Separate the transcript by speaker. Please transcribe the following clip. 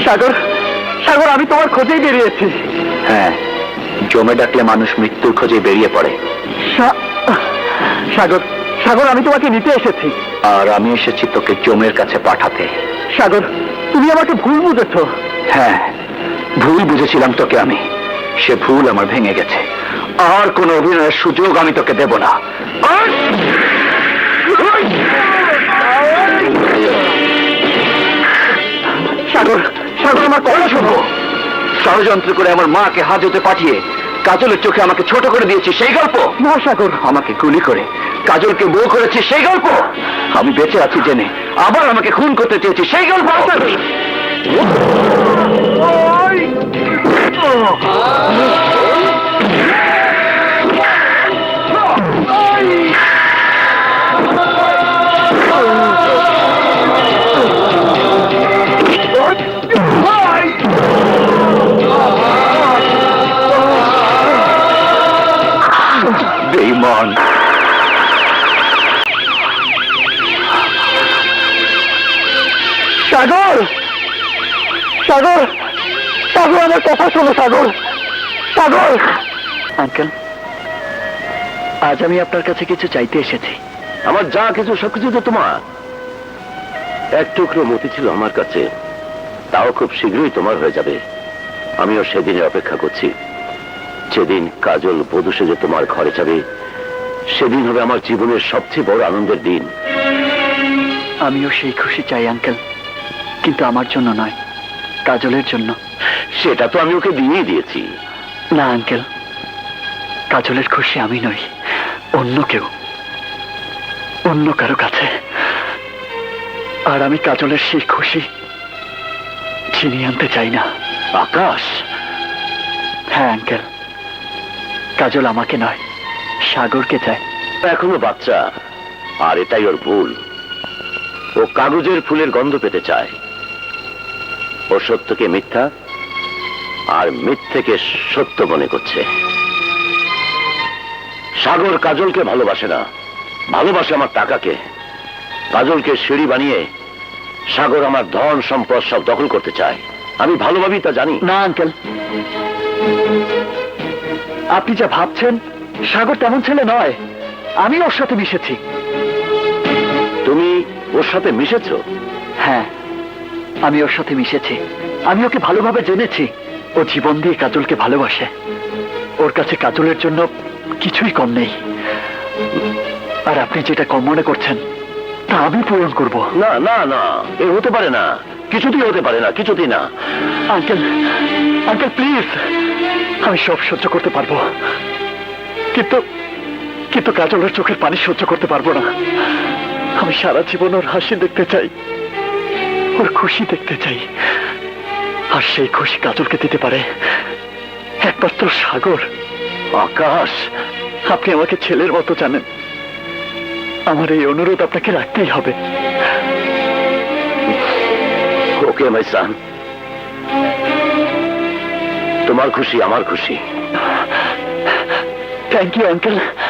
Speaker 1: সাগর, সাগর, আমি তোমার খোঁজেই বেরিয়েছি।
Speaker 2: হ্যাঁ, জমে ডাকলে মানুষ মৃত্যুর খোঁজে বেরিয়ে পড়ে।
Speaker 1: সাগর, সাগর, আমি তোমাকে নিতে এসেছি।
Speaker 2: আর আমি এসেছি তোকে জমের কাছে পাঠাতে।
Speaker 1: সাগর, তুমি আমাকে ভুল বুঝেছ।
Speaker 2: হ্যাঁ, ভুল বুঝেছিলাম তোকে আমি। সে ভুল আমার ভেঙে গেছে। আর কোন অভিনয়ের সুযোগ আমি তোকে দেব না।
Speaker 1: সাগর, সাগর, আমার কথা শোনো।
Speaker 2: ষড়যন্ত্র করে আমার মাকে হাজতে পাঠিয়ে কাজলের চোখে আমাকে ছোট করে দিয়েছি সেই গল্প?
Speaker 1: না সাগর।
Speaker 2: আমাকে গুলি করে কাজলকে বউ করেছি সেই গল্প? আমি বেঁচে আছি জেনে আবার আমাকে খুন করতে চেয়েছি সেই গল্প? বেঈমান!
Speaker 1: সাগর, সাগর, সাগর, আমার কথা শোনো। সাগর, সাগর। আঙ্কেল, আজ আমি আপনার কাছে কিছু চাইতে এসেছি।
Speaker 2: আমার যা কিছু সবকিছু তো তোমার। এক টুকরো মতি ছিল আমার কাছে, তাও খুব শীঘ্রই তোমার হয়ে যাবে। আমিও সেদিনের অপেক্ষা করছি, যেদিন কাজল বধূ সেজে তোমার ঘরে যাবে। সেদিন হবে আমার জীবনের সবচেয়ে বড় আনন্দের দিন।
Speaker 1: আমিও সেই খুশি চাই আঙ্কেল, কিন্তু আমার জন্য নয়, কাজলের জন্য।
Speaker 2: সেটা তো আমি ওকে দিয়েই দিয়েছি।
Speaker 1: না আঙ্কেল, কাজলের খুশি আমি নই, অন্য কেউ, অন্য কারো কাছে। আর আমি কাজলের সেই খুশি ছিনিয়ে আনতে চাই না।
Speaker 2: আকাশ!
Speaker 1: হ্যাঁ আঙ্কেল, কাজল আমাকে নয়, সাগরকে চায়।
Speaker 2: এখনো বাচ্চা, আর এটাই ওর ভুল। ও কাগজের ফুলের গন্ধ পেতে চায়। ও সত্যকে মিথ্যা আর মিথ্যেকে সত্য মনে করছে। সাগর কাজলকে ভালোবাসে না, ভালোবাসে আমার টাকাকে। কাজলকে সিঁড়ি বানিয়ে সাগর আমার ধন সম্পদ সব দখল করতে চায়। আমি ভালোভাবেই তা জানি।
Speaker 1: না আঙ্কেল, আপনি যা ভাবছেন, সাগর তেমন ছেলে নয়। আমি ওর সাথে মিশেছি।
Speaker 2: তুমি ওর সাথে মিশেছো?
Speaker 1: হ্যাঁ, আমি ওর সাথে মিশেছি। আমি ওকে ভালোভাবে জেনেছি। ও জীবন দিয়ে কাজলকে ভালোবাসে। ওর কাছে কাজলের জন্য কিছুই কম নেই। আর আপনি যেটা কম মনে করছেন তা আমি পূরণ করব।
Speaker 2: না না না, এ হতে পারে না, কিছুতেই হতে পারে না, কিছুতেই না।
Speaker 1: আঙ্কেল, আঙ্কেল প্লিজ, আমি সব সহ্য করতে পারবো, কিন্তু কিন্তু কাজলের চোখের পানি সহ্য করতে পারবো না। আমি সারা জীবন ওর হাসি দেখতে চাই, ওর খুশি দেখতে চাই। আর সেই খুশি কাজলকে দিতে পারে একমাত্র সাগর।
Speaker 2: আকাশ!
Speaker 1: আপনি আমাকে ছেলের মতো জানেন। আমার এই অনুরোধ আপনাকে রাখতেই হবে।
Speaker 2: ওকে মাই সান, তোমার খুশি আমার খুশি।
Speaker 1: Thank you uncle.